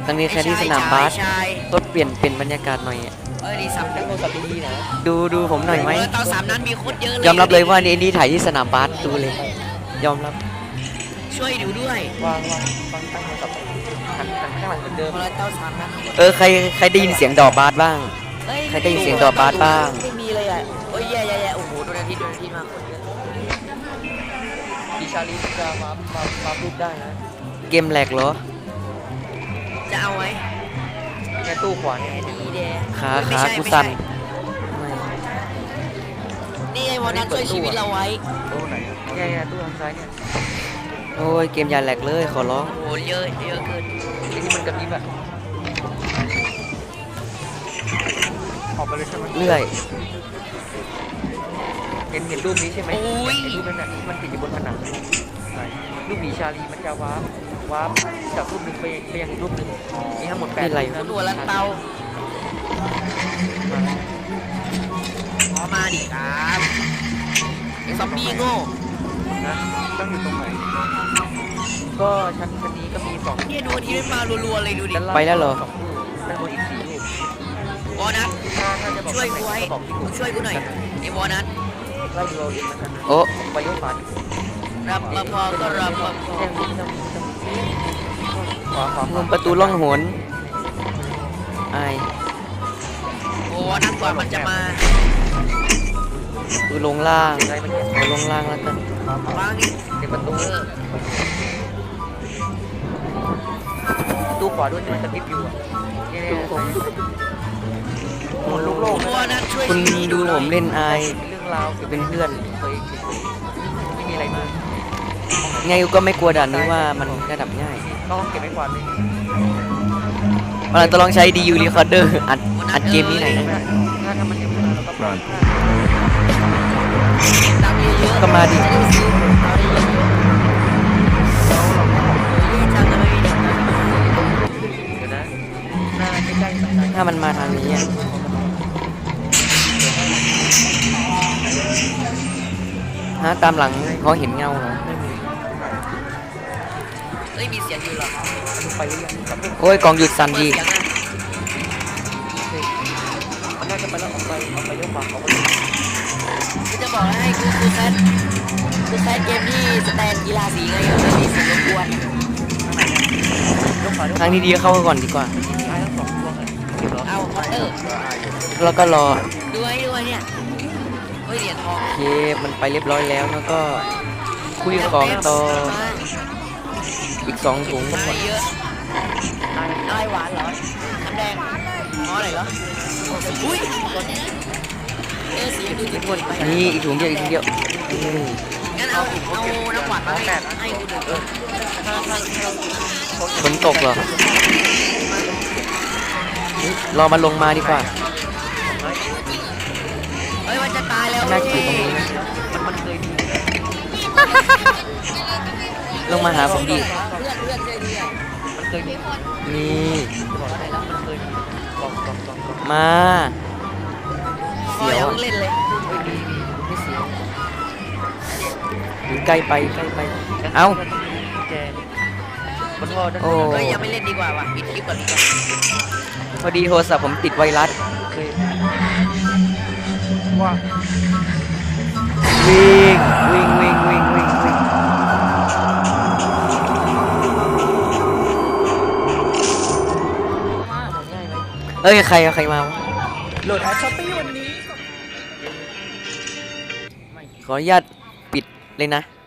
ตั้งนี้แค่ที่สนามบาสก็เปลี่ยนบรรยากาศหน่อยดีสับตั้งโทรศัพท์ดีๆนะดูผมหน่อยไหมตอน3นั้นมีโคตรเยอะเลยยอมรับเลยว่านี่ถ่ายที่สนามบาสดูเลยยอมรับช่วยดูด้วยวางตั้งโทรศัพท์หันข้างหลังเหมือนเดิมตอน3นั้นใครได้ยินเสียงดอกบาสบ้างใครได้ยินเสียงดอกบาสบ้างไม่มีเลยอ่ะโอ้ยแย่โอ้โหโดนอาทิตย์มาคนเยอะดิชาลีจะมาพูดได้นะเกมแหลกเหรอจะเอาไว้แค่ตู้ขวาเนี่ยดีเดขากูสั่นนี่ไอ้วันนั้นช่วยชีวิตเราไว้ตู้ไหนเนี่ยตู้ทางซ้ายเนี่ยโอ้ยเกมอย่าแหลกเลยขอร้องโอ้เยอะเกินไอ้ที่มันกระพริบอะออกไปเลยใช่ไหมเรื่อยเห็นรูปนี้ใช่ไหมรูปนั้นที่มันติดอยู่บนผนังรูปหมีชาลีมันจะวาร์ปจากรูปหนึ่งไปยังอีกรูปหนึ่งมีทั้งหมด8รูปนะตัวลันเตามาดิครับไอ้ซอมบี้โง่นะต้องอยู่ตรงไหนก็ชั้นนี้ก็มี2 เนี่ยดูที่มารัวๆเลยดูดิไปแล้วเหรอด้านบนอีก4รูปวอนัทช่วยกูไว้ช่วยกูหน่อยไอ้วอนัทไล่เราเองนะครับโอ้ไปยกฝารับมาพอก็รับมาพอประตูล่องหนไอโอ้นักกว่ามันจะมาลงล่างลงล่างแล้วกันวางนี่เดี๋ยวประตูตู้ขวาด้วยที่มันกระพริบอยู่หมุนลูกโลกคุณดูผมเล่นไอเรื่องราวเป็นเพื่อนไม่มีอะไรมากไงก็ไม่กลัวด่านนี้ว่ามันระดับง่ายต้องเก็บไว้ก่อนเลยเราจะลองใช้ DU Recorder อัดเกมนี้หน่อยนะถ้ามันยังไม่มาเราก็ปล่อยก็มาดิถ้ามันมาทางนี้ฮะตามหลังเขาเห็นเงาเหรอมีเสียงอยู่หรอโอ้ยกองหยุดสั่นดีมันน่าจะไปแล้วออกไปยกฝาเขากูจะบอกให้กูแซดเกมที่สแตนกีฬาสีไงไม่มีเสียงรบกวนทางนี้ดีเข้าก่อนดีกว่าเอาคอเตอร์แล้วก็รอด้วยเนี่ยเหรียญทองโอเคมันไปเรียบร้อยแล้วแล้วก็คุยของต่ออีก2 ถุงเยอะอะไรหวานเหรอน้ำแดงอ๋ออะไรเหรออุ้ยสีดูจิ้มไปนี่อีกถุงเดียวงั้นเอาน้ำหวานมาให้กูดูฝนตกเหรอรอมาลงมาดีกว่าเฮ้ยมันจะตายแล้วน่าจะอยู่ตรงนี้นะมันเคยดีลงมาหาผมดีมันเคยดีนี่มาเสียวเล่นเลยไม่เสียวใกล้ไปเอ้าโอ้ยยังไม่เล่นดีกว่าว่ะปิดคลิปก่อนดีกว่าพอดีโทรศัพท์ผมติดไวรัสว่าวิ่งเอ้ยใครมาโหลดแอปช้อปปี้วันนี้ขออนุญาตปิดเลยนะ